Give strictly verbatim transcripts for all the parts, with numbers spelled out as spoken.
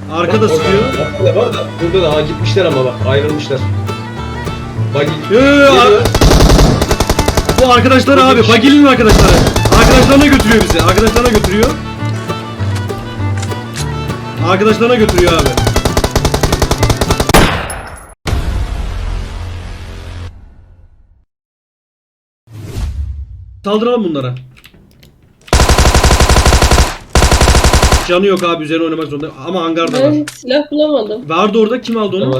Arkada sıkıyor. Arkada var da burada da ha, gitmişler ama bak ayrılmışlar. Bak Yo, yo, yo, geliyor. Bu arkadaşlar abi. Bagil'in arkadaşları. Arkadaşlarına götürüyor bizi. Arkadaşlarına götürüyor. Arkadaşlarına götürüyor abi. Saldıralım bunlara. Canı yok abi, üzerine oynamak zorunda. Ama hangarda var. Ben silah bulamadım. Vardı orada, kim aldı Ne onu? var?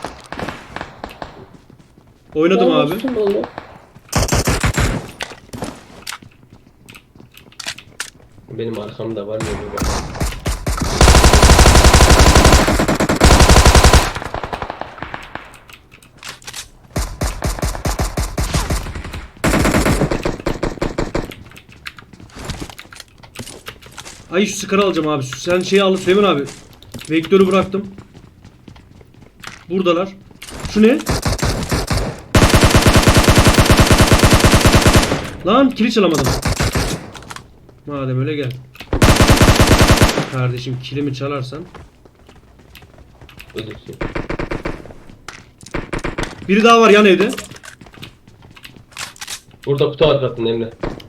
Oynadım Ben abi. vursun onu. Benim arkamda var ya böyle. Ay şu sıkarı alacağım abi. Sen şeyi al Süleyman abi. Vektörü bıraktım. Buradalar. Şu ne? Lan kili çalamadım. Madem öyle gel. Kardeşim kilimi çalarsan. Ölürsün. Biri daha var yan evde. Burada kutu arkasında Emre.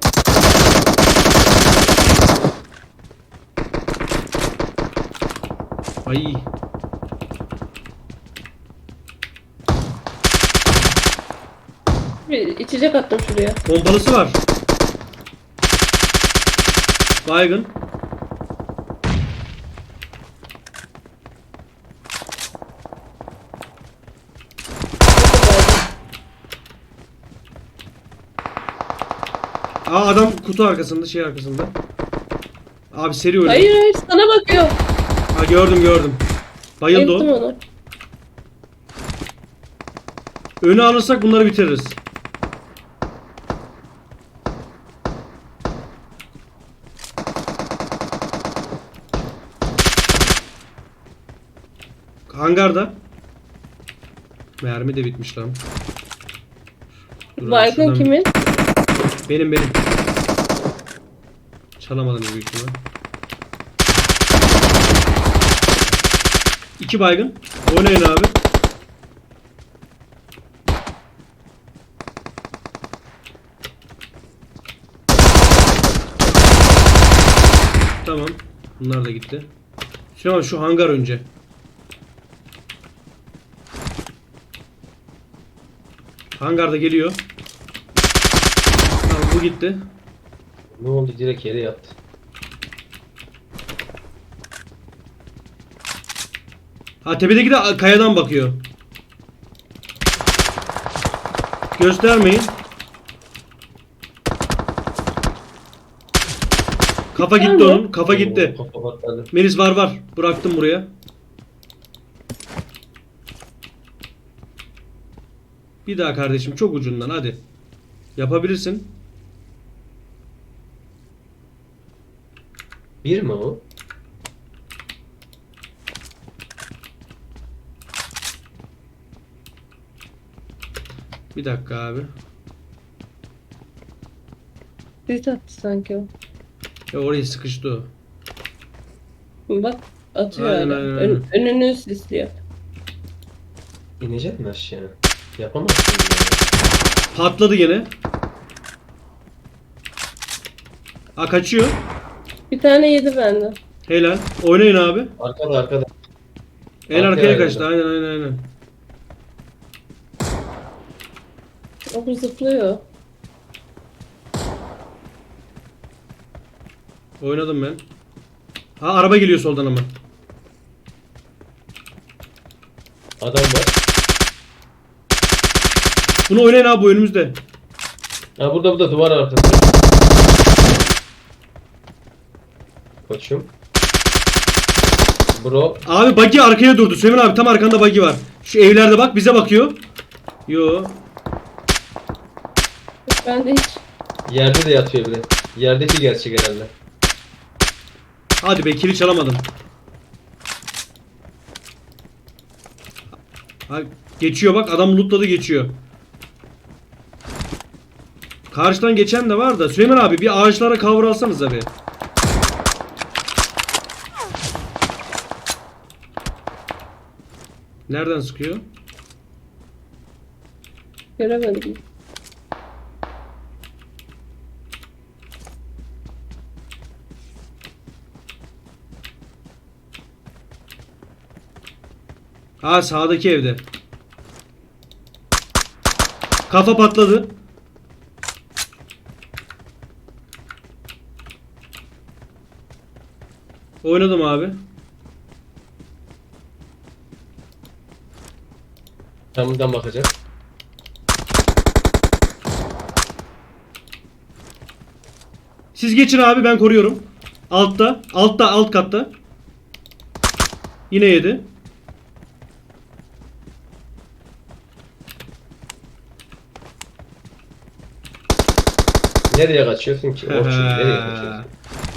Ay. Bir içecek attım şuraya. Pompalısı var. Baygın. Aa adam kutu arkasında, şey arkasında. Abi seri oynuyor. Hayır hayır sana bakıyor. Ha gördüm gördüm. Bayıldı Ettim o. onu. Önü alırsak bunları bitiririz. Hangarda. Mermi de bitmiş lan. Dur abi, Baygın şuradan- kimin? Benim benim. Çalamadım büyük ihtimal. İki baygın. Oynayın abi. Tamam. Bunlar da gitti. Şu an şu hangar önce. Hangarda geliyor. Tamam bu gitti. Ne oldu, direkt yere yattı. Ha tepedeki de kayadan bakıyor. Göstermeyin. Kafa gitti Tamam. onun. Kafa gitti. Kafa patladı. Melis var var. Bıraktım buraya. Bir daha kardeşim, çok ucundan hadi. Yapabilirsin. Bir mi o? Bir dakika abi. Sis attı sanki o. Ya oraya sıkıştı o. Bak atıyor Aynen, hala. aynen, Ön- aynen. önünü sisliyor. İnecek mi aşağı? Yapamazsın ya. Patladı gene. Ha kaçıyor. Bir tane yedi benden. Helal. Oynayın abi. Arkada arkada. En Arkaya arkaya ayrıldı. kaçtı. Aynen aynen aynen. O bu zıplıyor. Oynadım ben. Ha araba geliyor soldan ama. Adam var. Bunu oynayın abi, bu önümüzde. Ha burada burada duvar arkası. Koçum. Bro. Abi buggy arkaya durdu. Süleyman abi tam arkanda buggy var. Şu evlerde bak, bize bakıyor. Yo. Ben de hiç. Yerde de yatıyor bile. Yerdeki gerçek herhalde. Hadi be, kili çalamadım. Ha, geçiyor bak, adam lootladı geçiyor. Karşıdan geçen de var da. Süleyman abi bir ağaçlara cover alsanız abi. Nereden sıkıyor? Göremedim. Ha, sağdaki evde. Kafa patladı. Oynadım abi. Camdan bakacak. Siz geçin abi, ben koruyorum. Altta, altta, alt katta. Yine yedi. Nereye kaçıyorsun ki? Orçun nereye kaçıyorsun?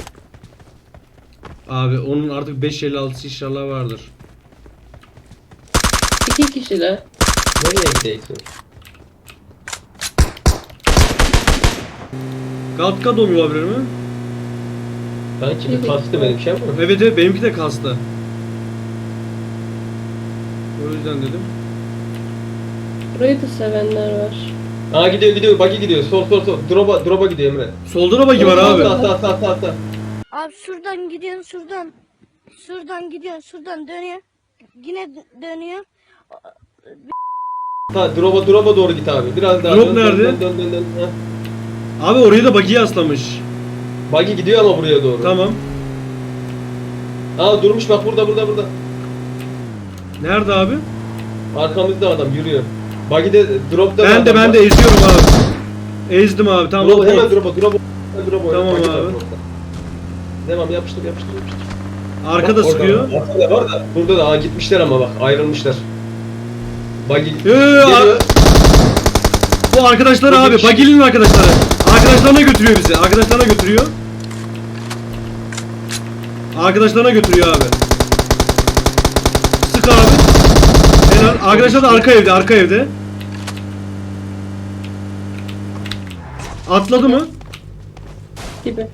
Abi onun artık beş elli altısı inşallah vardır. İki kişiler. Nereye gidiyorsun? Galtka domuyor olabilir mi? Sanki bir kastı benim şey ama. Evet evet, benimki de kastı. O yüzden dedim. Burayı da sevenler var. Aa gidiyor gidiyor buggy gidiyor. Sol sol sol. Drop'a drop'a gidiyor Emre. Solda da bagi var abi. Sağ sağ sağ sağ sağ. Abi şuradan gidiyorsun şuradan. Şuradan gidiyorsun şuradan dönüyor. Yine dö- dönüyor. Ha drop'a drop'a doğru git abi. Biraz daha Drop dön, nerede? Dön dön dön dön. dön. Abi orayı da bagi yaslamış. Ha. Buggy gidiyor ama buraya doğru. Tamam. Aa durmuş bak burada burada burada. Nerede abi? Arkamızda adam yürüyor. Buggy de drop'ta Ben de adam ben var. de eziyorum abi. Ezdim abi, tamam. Drop, o- hemen drop'a drop'a. Hemen drop'a. Tamam Buggy var abi. drop'ta. Devam yapıştır yapıştır yapıştır. Arkada Bak, orada sıkıyor. var, Arkada var da burada da aa, gitmişler ama bak ayrılmışlar. Buggy Yo, yo, yo, geliyor. Bu arkadaşlar Bu abi, bir şey- bagilinin arkadaşları. Arkadaşlarına götürüyor bizi. Arkadaşlarına götürüyor. Arkadaşlarına götürüyor abi. Sık abi. Helal. Arkadaşlar da arka evde, arka evde. Atladı mı? Gibi.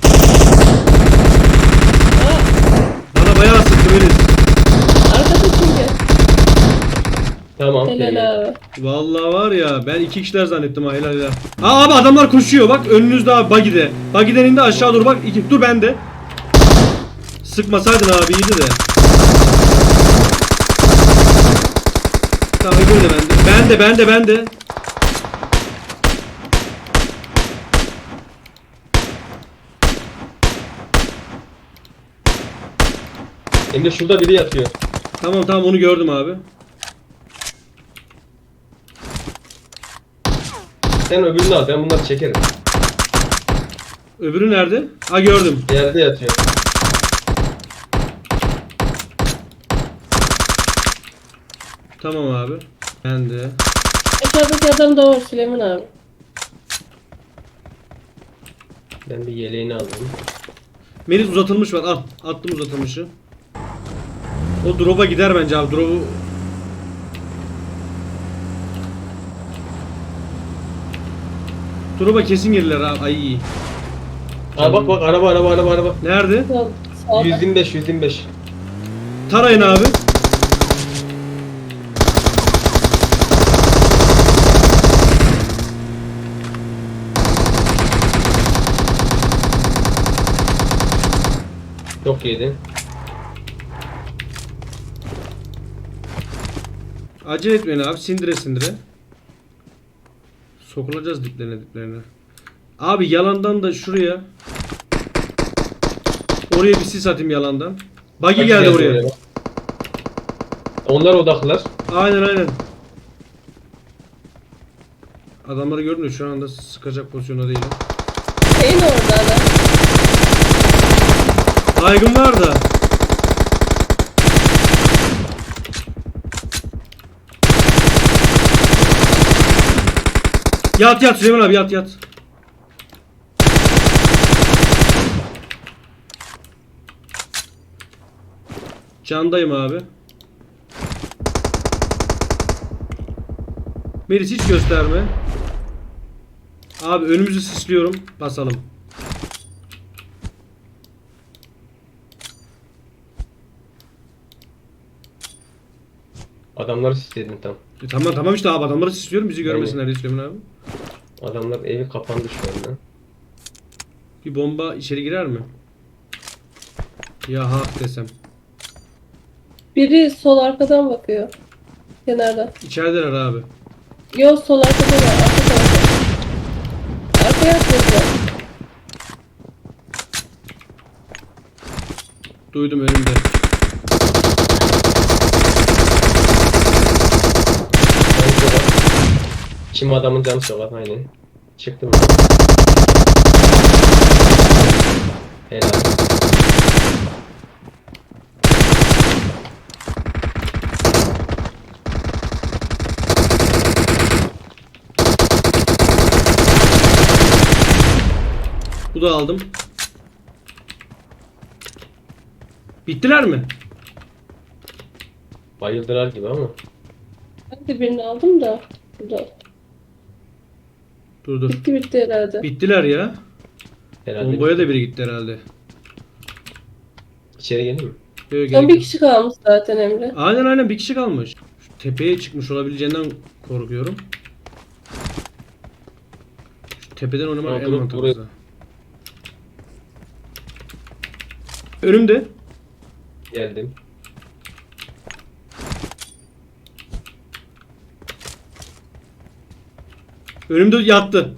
Bana bayağı sıktı Melis. Arkada çünkü. Tamam. geliyor. Helal abi. Vallahi var ya, ben iki kişiler zannettim ha, helal helal. Aa abi, adamlar koşuyor bak önünüzde abi, buggy'de. Buggy'den indi aşağı doğru bak. İki, dur bende. Sıkmasaydın abi, iyiydi de. Tamam, öbürü de bende. Bende bende bende. Emre şurada biri yatıyor. Tamam tamam, onu gördüm abi. Sen öbürünü al ben bunları çekerim. Öbürü nerede? Ha, gördüm. Yerde yatıyor. Tamam abi. Bende. Aşağıdaki adam da var Süleyman abi. Ben bir yeleğini alayım. Melis uzatılmış var. Al. Attım uzatılmışı. O drop'a gider bence abi. Drop'u... Drop'a kesin gelirler abi. Ay iyi. Aa bak bak araba araba araba araba. Nerede? Sol, sağda. yüz yirmi beş yüz yirmi beş. Tarayın abi. Çok yedi. Acele etmeyin abi. Sindire sindire. Sokulacağız diplerine diplerine. Abi yalandan da şuraya. Oraya bir sis atayım yalandan. Buggy Bak, geldi geldi oraya. bak. Onlar odaklılar. Aynen aynen. Adamları gördüm de şu anda sıkacak pozisyonda değilim. Şeyin orada adam. Baygın var da. Yat yat Süleyman abi, yat yat. Candayım abi. Melis hiç gösterme. Abi önümüzü sisliyorum. Basalım. Adamları sisledin tam. E, tamam tamam işte abi adamları istiyorum bizi görmesinler diye Süleyman abi. Adamlar evi kapandı şu anda. Bir bomba içeri girer mi? Ya ha desem. Biri sol arkadan bakıyor. Kenardan. İçerideler abi. Yo sol arkada var. Arka tarafta. Arkaya atladılar. Duydum önümde. Canı soğuk. Kim adamın canı soğuk aynen. Çıktım. Helal. Bu da aldım. Bittiler mi? Bayıldılar gibi ama. Ben de birini aldım da. Burada. Dur dur. Bitti bitti herhalde. Bittiler ya. Herhalde. Bombaya da biri gitti herhalde. İçeri geleyim mi? Böyle Son gerek bir yok. kişi kalmış zaten Emre. Aynen aynen bir kişi kalmış. Şu tepeye çıkmış olabileceğinden korkuyorum. Şu tepeden oynamak en Ortalık mantıklısı. buraya- Önümde. Geldim. Önümde yattı.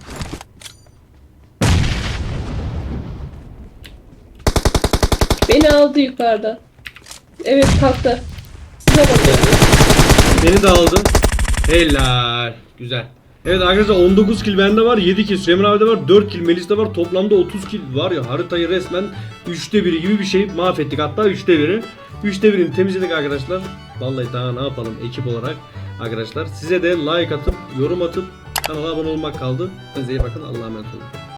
Beni aldı yukarıda. Evet kalktı. Size bakın. Geldim. Beni de aldı. Helal. Güzel. Evet arkadaşlar on dokuz kill bende var. yedi kill Süleyman abi de var. dört kill Melis'te var. Toplamda otuz kill var ya. Haritayı resmen üçte biri gibi bir şey mahvettik. Hatta üçte biri. üçte birini temizledik arkadaşlar. Vallahi daha ne yapalım ekip olarak arkadaşlar. Size de like atıp yorum atıp kanala abone olmak kaldı. Size iyi bakın. Allah'a emanet olun.